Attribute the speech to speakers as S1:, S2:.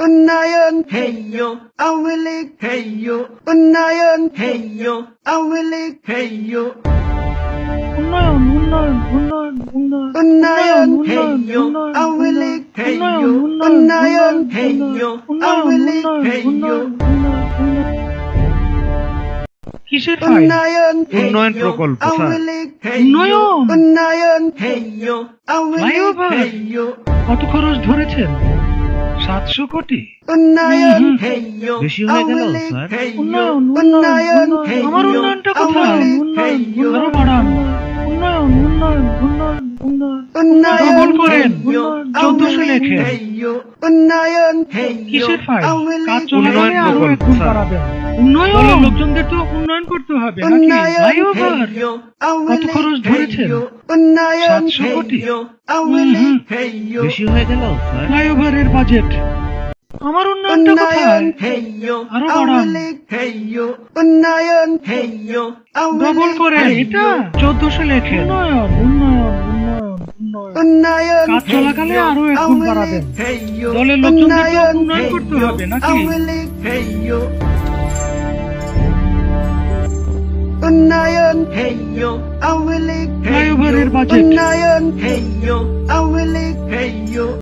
S1: উন্নয়ন হেইয়ো আওয়ামী লীগ হেইয়ো উন্নয়ন হেইয়ো আওয়ামী লীগ হেইয়ো
S2: উন্নয়ন উন্নয়ন উন্নয়ন উন্নয়ন
S1: উন্নয়ন হেইয়ো আওয়ামী লীগ হেইয়ো উন্নয়ন হেইয়ো আওয়ামী লীগ হেইয়ো
S2: কিসের ফাইল?
S1: উন্নয়ন
S3: উন্নয়ন প্রকল্প, স্যার।
S1: আওয়ামী লীগ হেইয়ো
S2: উন্নয়ন?
S1: উন্নয়ন হেইয়ো আওয়ামী লীগ
S2: ফ্লাইওভার?
S1: হেইয়ো
S2: কত খরচ ধরেছেন? 700 কোটি।
S1: উন্নয়ন হেইয়ো
S3: বেশি হয়ে গেল,
S1: আওয়ামী লীগ
S3: স্যার।
S1: হেইয়ো
S2: উন্নয়ন
S1: উন্নয়ন
S2: উন্নয়ন আমার
S1: হেইয়ো
S2: উন্নয়নটা
S1: আওয়ামী
S2: কোথায়?
S1: লীগ
S2: উন্নয়ন
S1: হেইয়ো
S2: আরো বাড়ান। উন্নয়ন উন্নয়ন উন্নয়ন উন্নয়ন
S1: উন্নয়ন
S2: ডবল করেন।
S1: হেইয়ো
S2: 1400
S1: আওয়ামী লীগ
S2: লেখেন।
S1: হেইয়ো উন্নয়ন হেইয়ো
S2: কিসের ফাইল?
S1: আওয়ামী
S2: কাজ
S1: লীগ
S2: চলাকালে
S3: উন্নয়ন
S2: আরো
S3: প্রকল্প,
S2: 1 গুণ
S3: স্যার।
S2: বাড়াবেন। উন্নয়ন দলের লোকজনদের তো উন্নয়ন করতে হবে নাকি?
S1: উন্নয়ন
S2: ফ্লাইওভার
S1: হেইয়ো আওয়ামী
S2: কত
S1: লীগ
S2: খরচ ধরেছেন?
S1: হেইয়ো উন্নয়ন
S2: 700 কোটি।
S1: হেইয়ো আওয়ামী লীগ হেইয়ো
S3: বেশি হয়ে গেল, স্যার।
S2: ফ্লাইওভারের বাজেট। আমার উন্নয়নটা কোথায়?
S1: উন্নয়ন হেইয়ো
S2: আরো
S1: আওয়ামী
S2: বাড়ান।
S1: লীগ হেইয়ো উন্নয়ন হেইয়ো আওয়ামী
S2: ডবল
S1: লীগ
S2: করেন।
S1: হেইয়ো
S2: এটা 1400 লেখেন। উন্নয়ন উন্নয়ন উন্নয়ন উন্নয়ন
S1: উন্নয়ন
S2: কাজ চলাকালে
S1: হেইয়ো
S2: আরো 1 গুণ
S1: আওয়ামী
S2: বাড়াবেন।
S1: লীগ হেইয়ো
S2: দলের লোকজনদের তো
S1: উন্নয়ন
S2: উন্নয়ন করতে
S1: হেইয়ো
S2: হবে নাকি?
S1: আওয়ামী লীগ হেইয়ো উন্নয়ন হেইয়ো আওয়ামী লীগ
S2: ফ্লাইওভারের
S1: হেইয়ো
S2: বাজেট।
S1: উন্নয়ন হেইয়ো আওয়ামী লীগ হেইয়ো